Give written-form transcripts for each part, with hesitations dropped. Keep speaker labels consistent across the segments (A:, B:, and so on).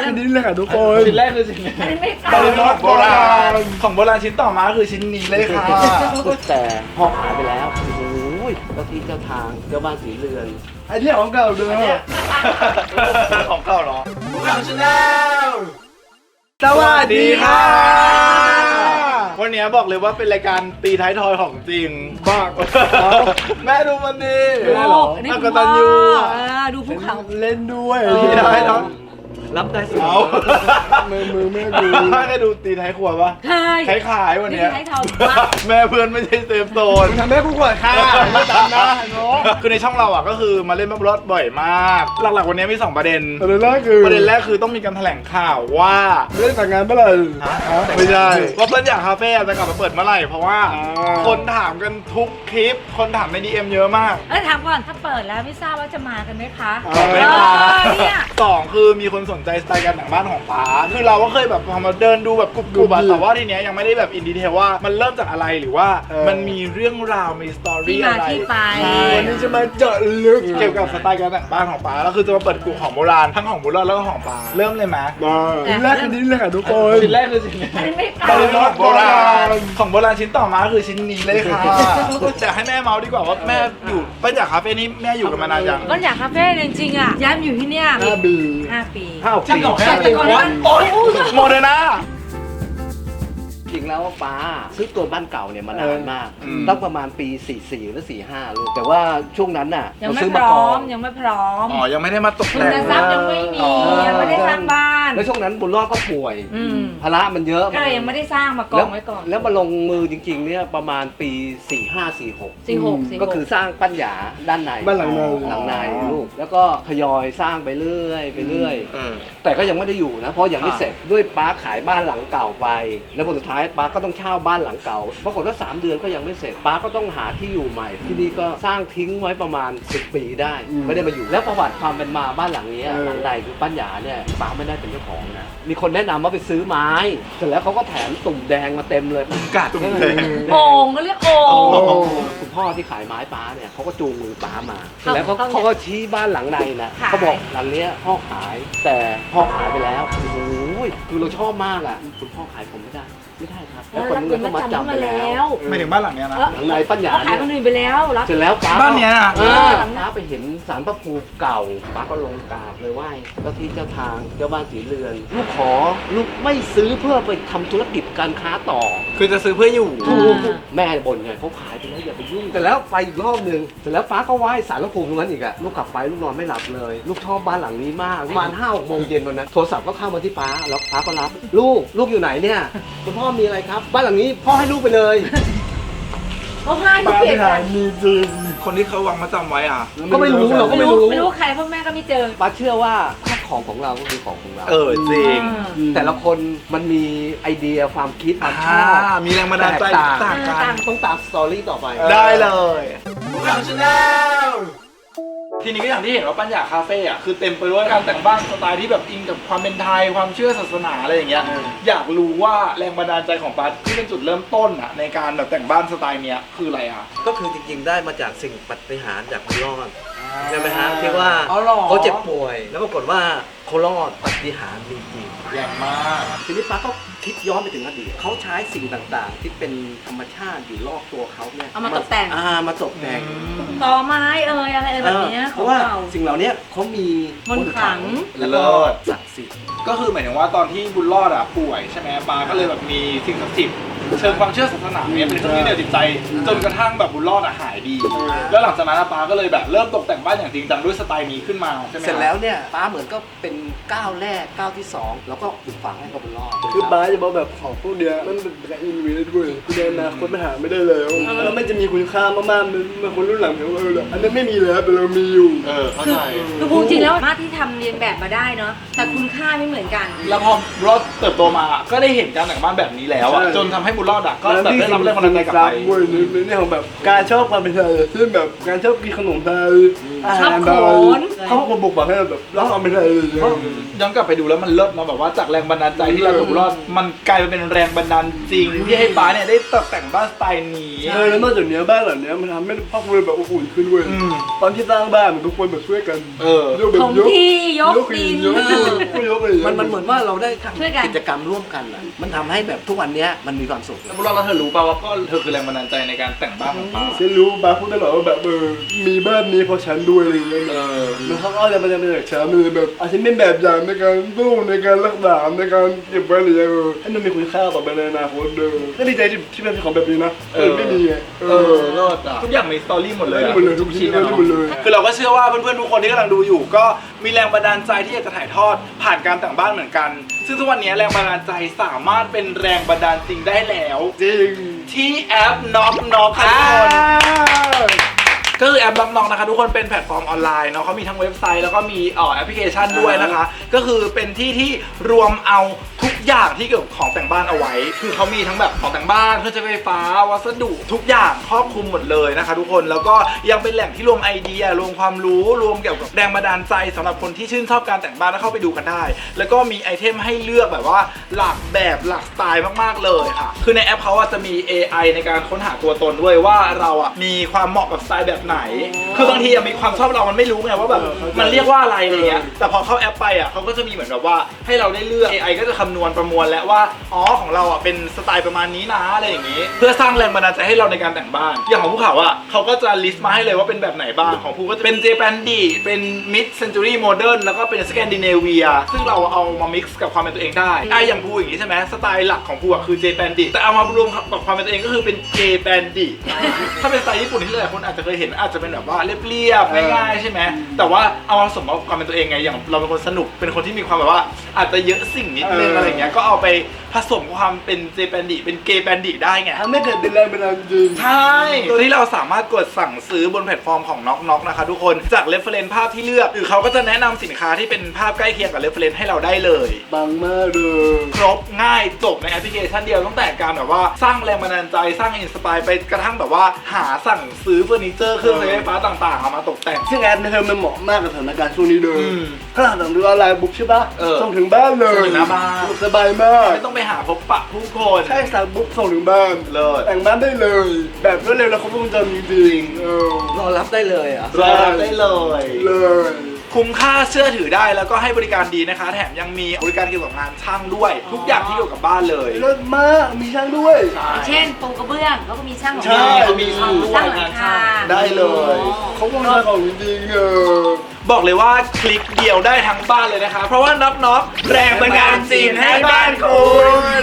A: อันนี้เลยค่ะทุกคน
B: ชิ้นแรกคือชิ้นนี้
C: อันนี้ไม่
B: บา
C: ขาย
B: โบราณของโบราณชิ้นต่อมาคือชิ้นนี้เลยค่ะ
D: แต่พ่อหายไปแล้ว โอ้โหเจ้าที่เจ้าทางเจ้าบ้านสีเรือน
A: อันนี้ของเก่าเด้อ
B: ของเก่าเหรอเราชนะ
A: สวัสดีค่ะ
B: วันนี้บอกเลยว่าเป็นรายการตีท้ายทอยของจริง
A: บ้า
B: แม่ดูมันดี
A: ได้เหรอ
C: อันนี้
B: อัก
C: คุณ
B: ตั
C: พ่อน
B: ยู
C: ดูภูเขา
A: เล่นด้วย
B: ตีท้ายทอย
D: รับได้สิ
B: เอา
A: มือแม่ดู
B: ได้ดูตีท้ายครัวปะ
C: เคย
B: ขายวัน
C: นี่
B: เนี้ย
C: ให้ทองปะ
B: แม่เพื่อนไม่ใช่เซฟโซน
A: ทำให้กูกดค่ะไม่ตามนะน้อง
B: คือในช่องเราอ่ะก็คือมาเล่นบับเบิ้ลบ่อยมาก หลักๆวันนี้มี 2 ประเด็น
A: ประเด็นแรกคือ
B: ประเด็นแรกคือต้องมีการแถลงข่าวว่า
A: เล่นแต่งงานเมื่อไหร่
B: ไม่ใช่ว่าเปิ้ลอยากคาเฟ่จะกลับมาเปิดเมื่อไหร่เพราะว่า
A: อ่า
B: คนถามกันทุกคลิป คนถามใน DM เยอะมาก
C: ถามก่อนถ้าเปิดแล้วไม่ทราบว่าจะมากันไหมคะ
B: ไม่มา
C: เนี่ย
B: สองคือมีคนสนใจสไตล์การแต่งบ้านของป๋าคือเราก็เคยแบบพอมาเดินดูแบบกรุบๆอะแต่ว่าทีเนี้ยยังไม่ได้แบบอินดีเทลว่ามันเริ่มจากอะไรหรือว่ามันมีเรื่องราวมีสตอ
C: ที่
B: รี่
C: มา
B: อะไร
C: ที่ไป
B: ใช่
A: วันนี้จะมาเจาะลึก
B: เกี่ยวกับสไตล์การแต่งบ้านของป๋าแล้วคือจะมาเปิดกลุ่มของโบราณทั้งของโบราณแล้วก็ของป๋าเริ่มเลยไหม
A: มาอันนี้เลยค่ะทุกคน
B: ชิ้นแรกคือชิ้นนี้
C: อันนี้ไม่
B: บา
C: ขาย
B: ของโบราณของโบราณชิ้นต่อมาคือชิ้นนี้เลยค่ะจะให้แม่เมาดีกว่าว่าแม่อยู่ป้าจากคาเฟ่นี้แม่อยู่กันมานานยัง
C: ก็อยากคาเฟ่จริงๆอ่ะย้ายมาอยู่ที่เนี่ย
A: 5 ปี
C: 5 ปี
B: ช่างเก่าแค่ปีโมเดอร์นา
D: จริงแล้วป้าซื้อตัวบ้านเก่าเนี่ยมานานมาก
B: อืม
D: ตั้งประมาณปี 44 หรือ 45 ลูก แต่ว่าช่วงนั้นน่ะ
C: ยังไม่
D: ซื้อ
C: พ
D: มา
C: ร้
D: ก่
C: อ
D: อ
C: ม
D: น
C: ยังไม่พร้อม
B: อ๋อยังไม่ได้มาตก
C: ทุ
B: แต่
C: น
B: ง
C: ทรัพย์ยังไม่มี
D: อ๋อ
C: ยังไม่ได้สร้างบ้าน
D: แล้วช่วงนั้นบุญรอดก็ป่วย
C: อืม
D: ภาระมันเยอะ
C: ก็เลยยังไม่ได้สร้างมากองไว้ก่อน
D: แล้วมาลงมือจริงๆเนี่ยประมาณปี 45-46
C: 46
D: ก็คือสร้างปั้นหยาด้านใน
A: บ้านหลังใน
D: หลังในลูก แล้วก็ทยอยสร้างไปเรื่อยไปเรื่อย แต่ก็ยังไม่ได้อยู่นะ เพราะยังไม่เสร็จด้วยป้าขายบ้านหลังเก่าไป แล้วผลสุดท้ายป้าก็ต้องเช่าบ้านหลังเก่าปรากฏว่า3 เดือนก็ยังไม่เสร็จป้าก็ต้องหาที่อยู่ใหม่ ที่นี่ก็สร้างทิ้งไว้ประมาณ10 ปีได้ ไม่ได้มาอยู่แล้วประวัติความเป็นมาบ้านหลังนี้หลังใดคือปั้นหยาเนี่ยป้าไม่ได้เป็นเจ้าของนะมีคนแนะนำว่าไปซื้อไม้เสร็จแล้วเขาก็แถมตุ่มแดงมาเต็มเลย
B: กัดตุ้มเลย
C: โอ่งก็เรียกโอ่ง
D: คุณพ่อที่ขายไม้ป้าเนี่ยเขาก็จูงมือป้ามาเสร็จ
C: เขา
D: แล้วเขา
C: เขา
D: เขาก็ชี้บ้านหลังใดนะ
C: ขาย
D: เขาบอกหลังเนี้ยพ่อขายแต่พ่อขายไปแล้วโอ้โหคือเราชอบมากอ่ะคุณพ่อขายผมไม่ได้ครับแล้วคนเงินก็มาจำไปแล้ว
B: ไม่ถึงบ้านหลังเนี้ยนะ
D: หลังในปัญญา
C: เขาขาย
D: เนี่ย
C: คนอื่นไปแล้วรับ
D: เสร็จแล้วป้า
B: บ้านเนี้ยนะ
D: ป้าไปเห็นศาลพระภูมิเก่าป้าก็ลงกราบเลยไหว้เจ้าที่เจ้าทางเจ้าบ้านสีเรือนลูกขอลูกไม่ซื้อเพื่อไปทำธุรกิจการค้าต่อ
B: คือจะซื้อเพื่ออยู่
D: แม่บ่นไงเขาขายไปแล้วอย่าไปยุ่งแต่แล้วไปอีกรอบหนึ่งเสร็จแล้วฟ้าก็ไหว้ศาลพระภูมิตรงนั้นอีกอะลูกกลับไปลูกนอนไม่หลับเลย ลูกชอบบ้านหลังนี้มากประมาณ5-6 โมงเย็นวันนั้นโทรศัพท์ก็เข้ามาที่ฟ้าแล้วฟ้าก็รับลูกอยู่ไหนเนี่ยคุณพ่อมีอะไรครับ บ้านหลังนี้พ่อให้ลูกไปเลย
C: เขาให้เขา
A: บ้าน
C: เปลี่ยน
A: ที่ไหน
C: กัน
A: มีจริง
B: คนที่เขาวางมาจำไว้อ่ะ
D: ก็ไม่รู้เราก็
C: ไม่
D: ไม่
C: รู้
D: รู้
C: ไม่รู้ใครพ่อแม่ก็ไม่เจอ
D: ฟ้าเชื่อว่าถ้าของเราก็คือของเรา
B: จริง
D: แต่ละคนมันมีไอเดียความคิดความชอบ
B: มีแรงบันดาลใจต่างกัน
D: ต้องตามสตอรี่ต่อไป
B: ได้เลยเราชนะทีนี้ก็อย่างที่เห็นว่าปัญญาคาเฟ่อะคือเต็มไปด้วยการแต่งบ้านสไตล์ที่แบบอิงกับความเป็นไทยความเชื่อศาสนาอะไรอย่างเงี้ยอยากรู้ว่าแรงบันดาลใจของปั๊ดที่เป็นจุดเริ่มต้นอะในการแบบแต่งบ้านสไตล์เนี้ยคืออะไรอะ
D: ก็คือจริงๆได้มาจากสิ่งปาฏิหาริย์จากคุณรอดใช่ไหมฮะที่ว่า
B: อ๋อหรอ
D: เขาเจ็บป่วย แล้วปรากฏว่าเขารอดปาฏิหาริย์มีจริง
B: แรงมาก
D: ทีนี้ป้าก็คิดย้อนไปถึงอดีตเขาใช้สิ่งต่างๆ ที่เป็นธรรมชาติอยู่รอบตัวเขาเนี่ย
C: เอามาตกแต่ง
D: มาตกแต่ง
C: ต่อไม้อะไรแบบเนี้ย
D: เพ
C: ของ
D: ราะว่า
C: เก่า
D: สิ่งเหล่านี้เขามี
C: มนต์ขลัง
D: แล้วก็ศักดิ์สิทธิ์
B: ก็คือหมายถึงว่าตอนที่บุญรอดอะป่วยใช่ไหมปาก็เลยแบบมีสิ่งศักดิ์สิทธิ์เชิงความเชื่อศาสนาเนี่ยเป็นเครื่องยึดเหนี่ยวจิตใจจนกระทั่งแบบบุญรอดอะหายดี แล้วหลังจากนั้นปาก็เลยแบบเริ่มตกแต่งบ้านอย่างจริงจังด้วยสไตล์นี้ขึ้นมาใช่ไหม
D: เสร็จแล้วเนี่ยป้าเหมือนก็เป็นก้าวแรกก้าวที่ 2 แล้วก็ปลูกฝังให้กับบุญรอด
A: คือบ้าจะบอกแบบของพวกเนี้ยมันเป็นการอินเวสต์ด้วยในอนาคตมันหาไม่ได้แล้วแล้วมันจะมีคุณค่ามากๆมันคนรุ่นหลังเขาอันนั้นไม่มีแล้วแต่เรามีอยู่
B: เข้าใจ
C: คือพูดจริงแล้วมาที่ทำเรียนแบบมาได้เนาะแต่คุณค่าไม่เหมือนกัน
B: แล้วพอบุญรอดเติบโตมาก็ได้เห็นการแต่งบ้านแบบนี้แล้วอะ
A: ใช่
B: จนทำให้บุญรอดอะก็แบบได้รับแรงบันดาลใจกลับไป
A: เว้ยในเรื่องของแบบการชอบความเป็นไทยเช่นแบบการชอบกินขนมไทย
C: ชอบโขน
A: เขาก็บุกมาให้แบบเราทำไม่ได้เลย
B: ย้อนกลับไปดูแล้วมันเลิศเนาะแบบว่าจากแรงบันดาลใจที่เราถูกรอดมันกลายเป็นแรงบันดาลจริงที่ให้ป้าเนี่ยได้ตกแต่งบ้านสไตล์นี้
A: แล้วนอกจากนี้บ้านหลังนี้มันทำให้ครอบครัวแบบอบอุ่นขึ้นเว้ยตอนที่สร้างบ้านทุกคนแบบช่วยกันยกแบบ
C: ถมที่ยกดิน
A: ยกเลย
D: มันเหมือนว่าเราได้
C: ช่วยกัน
D: ทำกิจกรรมร่วมกันอะมันทำให้แบบทุกวันเนี้ยมันมีความสุข
B: แล้วเราเธอรู้ป่าวว่าก็เธอคือแรงบันดาลใจในการแต่งบ้านของป้า
A: ฉันรู้บ้าพูดตลอดว่าแบบมีบ้านนี้เพราะฉันด้วยอะไรอย่างเงี้ยแล้วเขาก็จะมาจากฉันเลยแบบอาจจะเป็นแบบอย่างในการสู้ในการรักษาในการเก็บไว้อะไรอย่างเงี้ยให้มันมีคุณค่าต่อไปในอนาคตก็ดีใจที่เป็นของแบบนี้นะไม่มีไง
B: รอดอ่ะทุกอย่างมีสตอรี่หมดเลย
A: หมดเลยทุกชิ้นหมดเลย
B: คือเราก็เชื่อว่าเพื่อนๆทุกคนที่กำลังดูอยู่ก็มีแรงบันดาลใจที่อยากจะถ่ายทอดผ่านการแต่งบ้านเหมือนกัน ซึ่งทุกวันนี้แรงบันดาลใจสามารถเป็นแรงบันดาลจริงได้แล้ว
A: จริง
B: ที่แอป Knock ค่ะทุกคนก็คือแอปKnock Knockนะคะทุกคนเป็นแพลตฟอร์มออนไลน์เนาะเขามีทั้งเว็บไซต์แล้วก็มีแอปพลิเคชันด้วยนะคะก็คือเป็นที่ที่รวมเอาทุกอย่างที่เกี่ยวกับของแต่งบ้านเอาไว้คือเขามีทั้งแบบของแต่งบ้านเครื่องใช้ไฟฟ้าวัสดุทุกอย่างครอบคลุมหมดเลยนะคะทุกคนแล้วก็ยังเป็นแหล่งที่รวมไอเดียรวมความรู้รวมเกี่ยวกับแรงบันดาลใจสำหรับคนที่ชื่นชอบการแต่งบ้านแล้วเข้าไปดูกันได้แล้วก็มีไอเทมให้เลือกแบบว่าหลากแบบหลากสไตล์มากๆเลยค่ะคือในแอปเขาจะมี AI ในการค้นหาตัวตนด้วยว่าเรามีความเหมาะกับสไตล์แบบไหนคือบางทีมีความชอบเรามันไม่รู้ไงว่าแบบมันเรียกว่าอะไรเงี้ยแต่พอเข้าแอปไปเขาก็จะมีเหมือนแบบว่าให้เราได้เลือก AI ก็จะคำนวณประมวลแล้วว่าอ๋อของเราเป็นสไตล์ประมาณนี้นะอะไรอย่างงี้เพื่อสร้างแรงบันดาลใจให้เราในการแต่งบ้านอย่างของภูเขาเขาก็จะลิสต์มาให้เลยว่าเป็นแบบไหนบ้างของภูก็จะเป็นเจแปนดีเป็น Mid Century Modern แล้วก็เป็นสแกนดิเนเวียซึ่งเราเอามา mix กับความเป็นตัวเองได้อย่างภูอย่างงี้ใช่ไหมสไตล์หลักของภูคือเจแปนดีแต่เอามารวมกับความเป็นตัวเองก็คือเป็นเจแปนดีถ้าเป็นสไตล์ญี่ปุ่นที่หลายคนอาจจะเคยเห็นอาจจะเป็นแบบว่าเรียบๆง่ายๆใช่ไหมแต่ว่าเอามาผสมกับความเป็นตัวเองไงอย่างเราเป็นคนสนุกเป็นคนที่มีความแบบว่าอาจจะเยอะสิ่งนิดนึงอะไรเงี้ยก็เอาไปผสมความเป็นเจแปนดิเป็นเกย์แปนดิได้ไง
A: ทำให้เกิดเป็นแรงบันดาลใจจริง
B: ใช่โดยที่เราสามารถกดสั่งซื้อบนแพลตฟอร์มของ Knock Knock นะคะทุกคนจากเรฟเฟรนซ์ภาพที่เลือกหรือเขาก็จะแนะนำสินค้าที่เป็นภาพใกล้เคียงกับเรฟเฟรนซ์ให้เราได้เลย
A: ปังมากเลย
B: ครบง่ายจบในแอปพลิเคชันเดียวตั้งแต่การแบบว่าสร้างแรงบันดาลใจสร้างอินสปายไปกระทั่งแบบว่าหาสั่งซื้อเฟอร์นิเจอร์เครื่องใช้ไฟฟ้าต่างๆเอามาตกแต่ง
A: ซึ่งแอปนี้มันเหมาะมากกับสถานการณ์ช่วงนี้เลย
B: อืม
A: ถ้าหากสั่งซื้อออนไลน์บุ๊กใช่ปะ
B: เออ
A: ส่งถึงบ้านเลย
B: ส่งถึงหน้าบ้าน
A: สบายมาก
B: ไม่ต้องไปหาพบปะผู้คน
A: ใช่สั่งบุ๊กส่งถึงบ้าน
B: เลิศ
A: แต่งบ้านได้เลย แบบรวดเร็วและครบวงจรจริงๆ
D: รอรับได้เลยอ่ะ
B: รอรับได้เลย
A: เลย
B: คุ้มค่าเชื่อถือได้แล้วก็ให้บริการดีนะคะ แถมยังมีบริการเกี่ยวกับงานช่างด้วย ทุกอย่างที่เกี่ยวกับบ้านเลย
A: เลิศมากมีช่างด้วย
C: เช่นปูกระเบื้องเขาก็มีช่างของ
A: ใช่
B: เขามีช่างด้ว
C: ช่าย งหลั
B: งาน
C: ง
B: ช่า
C: คาง
A: ได้เลยเขาวงจรของจริงๆ
B: บอกเลยว่าคลิกเดียวได้ทั้งบ้านเลยนะคะ เพราะว่าน็อกน็อกแรงบันดาลจีนให้บ้านคุณ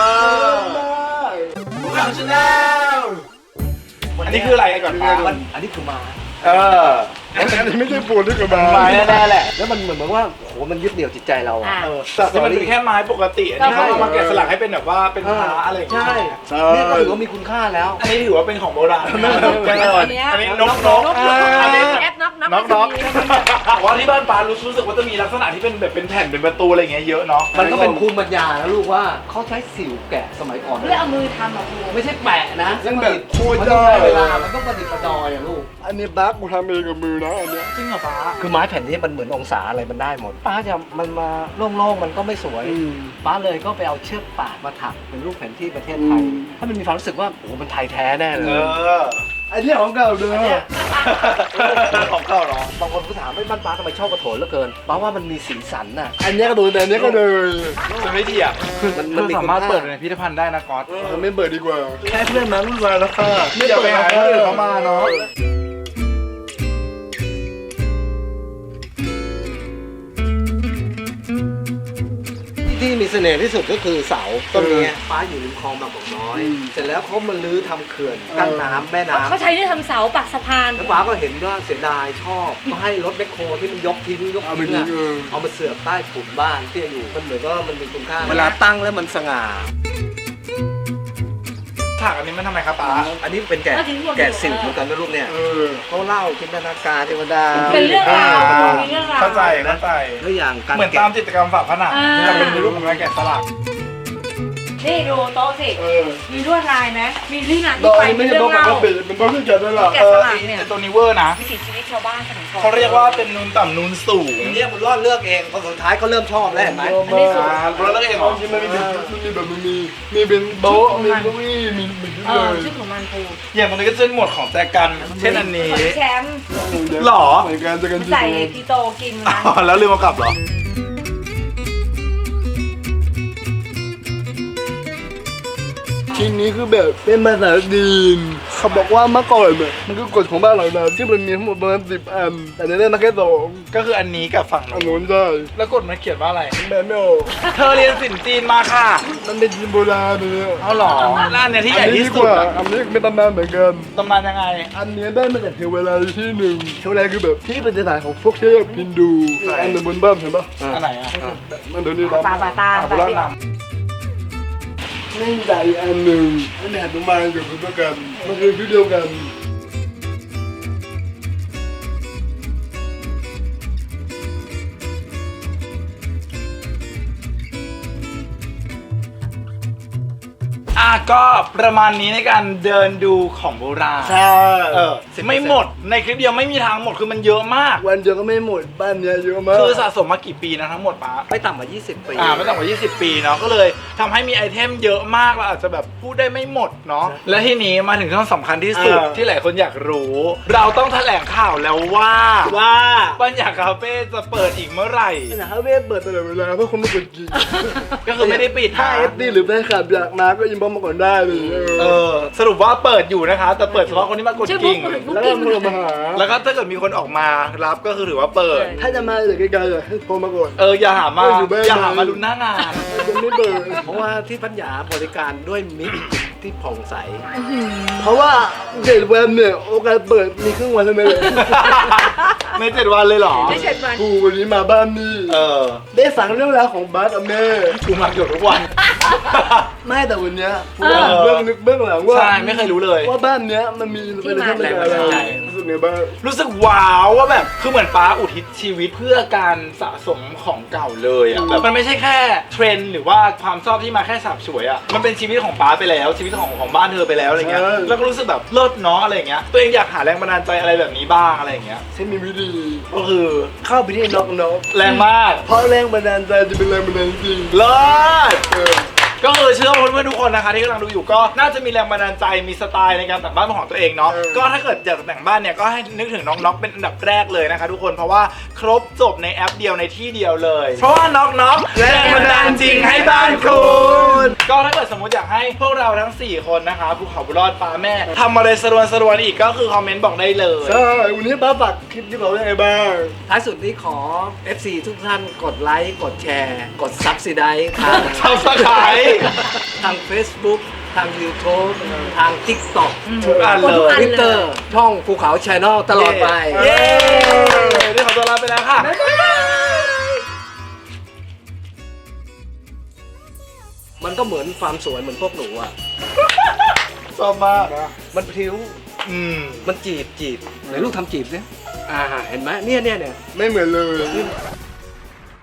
B: อันนี้คืออะไรก่อนป้า
D: อันนี้คือมา
A: อันนี้ไม่ใช่ปูนที่กระบา
B: ไม้แน่ๆแหละ
D: แล้วมันเหมือนว่าโหมันยึดเหนี่ยวจิตใจเราอ่ะ
B: แต่ที่มันเป็นแค่ไม้ปกติอันนี้เขาเอามาแกะสลักให้เป็นแบบว่าเป็นพระอะไรอย่างเงี้ย
D: ใช่นี่ก็ถือว่ามีคุณค่าแล้ว
B: อันนี้ถือว่าเป็นของโบราณ
C: อันเนี้ย
B: อันนี้นกนกอันนี้
C: แอปน็อกน็อก
B: น็อกน็อกว่าที่บ้านป้ารู้สึกว่าจะมีลักษณะที่เป็นแบบเป็นแผ่นเป็นประตูอะไรอย่างเงี้ยเยอะเนาะ
D: มันก็เป็นภูมิปัญญานะลูกว่าเขาใช้สิวแกะสมัยก่อน
C: เพื่อเอามือทำอ่ะครู
D: ไม่ใช่แปะนะ
A: ยังแบบโคตร
D: มัน
A: ได้
D: ต้องใช้เวลามันต้องประดิษฐ์ประดอยอะลูก
A: อันนี้บั๊กกูทำเองกับมือนะอันเนี้ย
B: จริงเหรอป้า
D: คือไม้แผ่นนี้มันเหมือนองศาอะไรมันได้หมดป้าจะมันมาโล่งๆมันก็ไม่สวยป้าเลยก็ไปเอาเชือกป่านมาถักเป็นรูปแผนที่ประเทศไทยถ้ามันมีความรู้สึกว่าโอ้โหมันไทยแท้แน่เลย
A: อันนี้ของเก่าเด้อ
B: ของเก่าเนาะ
D: บางคนก็ถามไม่บ้านป้าทำไมชอบกระโถนเหลือเกินป้าว่ามันมีสีสันน่ะ
A: อันนี้ก็โดนแต่อันนี้ก็เลย
B: จะไม่ดีอ่ะ
D: มันมี
B: สามารถ
D: คุณค่า
B: เปิดในพิพิธภัณฑ์ได้นะก๊อต
A: ไม่เปิดดีกว่าแค่เพื่อนมารุ่นวายแล้วค่ะ
B: อย่าไปหาคนอื่นเขามาเนาะ
D: ที่มีเสน่ห์ที่สุดก็คือเสาต้นนี้ป้าอยู่ริมคลองบางกอกน้อย เสร็จแล้วเขามาลื้อทำเขื่อนกั้นน้ำแม่น้ำ
C: เขาใช้นี่ทำเสาปักสะพาน
D: แล้วป้าก็เห็นว่าเสียดายชอบก็ให้รถแมคโครที่มันยกทิ้งอะเอามาเสือกใต้ถุนบ้านที่อยู่มันเหมือนว่ามันมีคุณค่าเวลาตั้งแล้วมันสง่า
B: ฉากอันนี้มันทำไมครับป้า
D: อันนี้เป็นแกะสิวเหมือนกันนะลูกเนี่ยเขาเล่าจินตนาการเทวดา
C: เป็นเรื่องราวมีเรื่องราว
B: เข้าใจ
D: แล้วอย่างการ
B: เหมือนตามจิตรกรรมฝาผนัง
C: อ่า
B: แต่เป็นรูปของการแกะสลัก
C: นี่ดูโต๊ะสิ มีลวดลายไหมมีที่มา
A: โด
C: ที่
A: ย
C: ไป
A: ไม่
C: มี
A: ใช่
C: เรื่อ
A: โต๊ะ
C: ง
A: ป
C: เล่าก
A: ติเป็นโต๊ะที่แกะได้หรอ
C: แกะสลักเนี่ย
B: ตัวนี้เวอร์นะ
C: วิถีชีวิตชาวบ้านสมัยก่อน
B: เขาเรียกว่าเป็นนูนต่ำนูนสูง
D: เนี่ยบุญรอดเลือกเองพอสุดท้ายก็เริ่มชอบแล้วเห็นไหม
B: เราเลือกเองเหรอ
A: ที่มันมีแบบมีเป็นโต๊ะมีเก้าอี้มีทุก
C: เอ
A: เล
C: อย ชื่อของมันปู
B: อย่างมันก็จะเป็นหมวดของแจกัน เช่นอันนี้
C: ของแชมป์
B: หรอ
A: เหมือนกันจะกัน
C: ใส่กีโตกินนะ
B: อ๋อแล้วลืมเอากลับเหรอ
A: ชิ้นนี้คือแบบเป็นภาษาจีนเขาบอกว่าเมื่อก่อนเนี่ยมันคือกฎของบ้านเรานะที่มันมีทั้งหมดประมาณ10 อันแต่ในนี้มาแค่2
B: ก็คืออันนี้กับฝั่ง
A: อัน
B: นู้น
A: นู้นใช่
B: แล้วกฎมันเขียนว่าอะไร
A: แบบไม่ออก
B: เธอเรียนศิลป์จีนมาค่ะ
A: มันเป็นจีนโบราณเนี่ย
B: เอาหรอร้านเนี่ยที่ใหญ่ที่สุดอะ
A: อันนี้เป็นตำนานเหมือนกัน
B: ตำนานยังไง
A: อันนี้ได้มาจากเทวราที่หนึ่งเทวราคือแบบที่เป็นสถานของพวกเทพฮินดู
B: ใช่
A: อันหนึ่งบนบ้านเห็นปะ
B: อันไหนอะ
A: มันเดี๋ยวนี้นะ
C: ปลาตา
B: เอาไป
C: ปลา
B: เล่า
C: ที่
B: น
A: นี่ใหญ่อันหนึ่งอันนี้หนุมานกับพุทธกันมันคือชุดเดียวกัน
B: ก็ประมาณนี้ในการเดินดูของโบราณ
A: ใช่
B: ไม่หมดในคลิปเดียวไม่มีทางหมดคือมันเยอะมาก
A: วันเดียวก็ไม่หมดบ้านเนี้ยเยอะมาก
B: คือสะสมมากี่ปีนะทั้งหมดป้า
D: ไม่ต่ำกว่า20 ปี
B: ไม่ต่ำกว่า20 ปีเนาะก็เลยทำให้มีไอเทมเยอะมากเราอาจจะแบบพูดได้ไม่หมดเนาะและทีนี้มาถึงช่วงสำคัญที่สุดที่หลายคนอยากรู้ เราต้องแถลงข่าวแล้วว่าปัญญาคาเฟ่จะเปิดอีกเมื่อไหร่
A: นะฮะเวทเปิดตลอดเวลาเพื่อคนมากดกิน
B: ก็คือไม่ได้ปิด
A: ถ้า
B: นะ
A: เอฟดีหรือแฟนคลับอยากมาก็อินบ็อกซ์มาก่อนได้เลย
B: สรุปว่าเปิดอยู่นะคะ แต่เปิดเฉพาะคนที่มากด
C: ชื่อบุ๊
B: กิ่
C: ก
B: ง
C: บุ๊ก
A: แล้วก็
C: กิ้ง
A: โทรมาหา
B: แล้วก็ถ้าเกิดมีคนออกมารับก็คือถือว่าเปิด
A: ถ้าจะมาจากไกลๆให้โทรมาก่อน
B: อย่าหามา
A: อยู่บ้าน
B: อย่าหามาลุ้นหน้างาน
A: จะไม่เปิด
D: เพราะว่าที่ปัญญาบริการด้วยมิตรที่ผ่องใส
A: เพราะว่า7 วันเนี่ยโอกาสเปิดมีครึ่งวันเท่านั้นเลย
B: ใน7 วันเลยเหรอ
C: ไม่เสร็จวัน
A: กูวันนี้มาบ้านนี่ได้ฟังเรื่องราวของบาสกับแม่
B: กูมาเกือบทุกวัน
A: ไม่แต่วันเนี้ยผมอยากเบื้องลึกเบื้องหลังว่า
B: ใช่ไม่เคยรู้เลย
A: ว่าบ้านเนี้ยมันมีเป็นเรื่องอะไรรู้สึกไงบ้าง
B: รู้สึกว้าวว่าแบบคือเหมือนป้าอุทิศชีวิตเพื่อการสะสมของเก่าเลยอ่ะแบบมันไม่ใช่แค่เทรนด์หรือว่าความชอบที่มาแค่สับสวยอ่ะมันเป็นชีวิตของป้าไปแล้วชีวิตของบ้านเธอไปแล้วอะไรเงี้ยแล้วก็รู้สึกแบบเลิศเนาะอะไรเงี้ยตัวเองอยากหาแรงบันดาลใจอะไรแบบนี้บ้างอะไรเงี้ย
A: ฉันมีวิธี
B: ก็คือ
A: เข้าไปที่น็อก
B: แรงมาก
A: เพราะแรงบันดาลใจจะเป็นแรงบันดาลจริง
B: เลิศก็คือเชื่อว่าเพื่อนๆทุกคนนะคะที่กำลังดูอยู่ก็น่าจะมีแรงบันดาลใจมีสไตล์ในการแต่งบ้านเป็นของตัวเองเนาะก็ถ้าเกิดอยากจะแต่งบ้านเนี่ยก็ให้นึกถึงน้องน็อกเป็นอันดับแรกเลยนะคะทุกคนเพราะว่าครบจบในแอปเดียวในที่เดียวเลยเพราะว่าน็อกแรงบันดาลจริงให้บ้านคุณก็ถ้าเกิดสมมติอยากให้พวกเราทั้ง4คนนะคะภูเขาบุญรอดป้าแม่ทำอะไรสรวนอีกก็คือคอมเมนต์บอกได้เลย
A: ใช่วันนี้บ้าฝากคลิปที่เรายังไงบ้าง
D: ท้ายสุดนี้ขอ FC ทุกท่านกดไลค์ กดแชร์ กด Subscribe ทาง
B: ทำสกาย
D: ทาง Facebook ทาง YouTube ทาง TikTok
B: ทุกอันเลย
D: Twitter ช่องภูเขา Channel ตลอดไป
B: เย้นี่ขอตัวลาไปแล้วค่ะ
D: มันก็เหมือนความสวยเหมือนพวกหนูอ่ะ
B: ชอบมาก
D: มันพริ้ว มันจีบไหนลูกทำจีบสิเห็นไหมเนี่ย
A: ไม่เหมือนเลย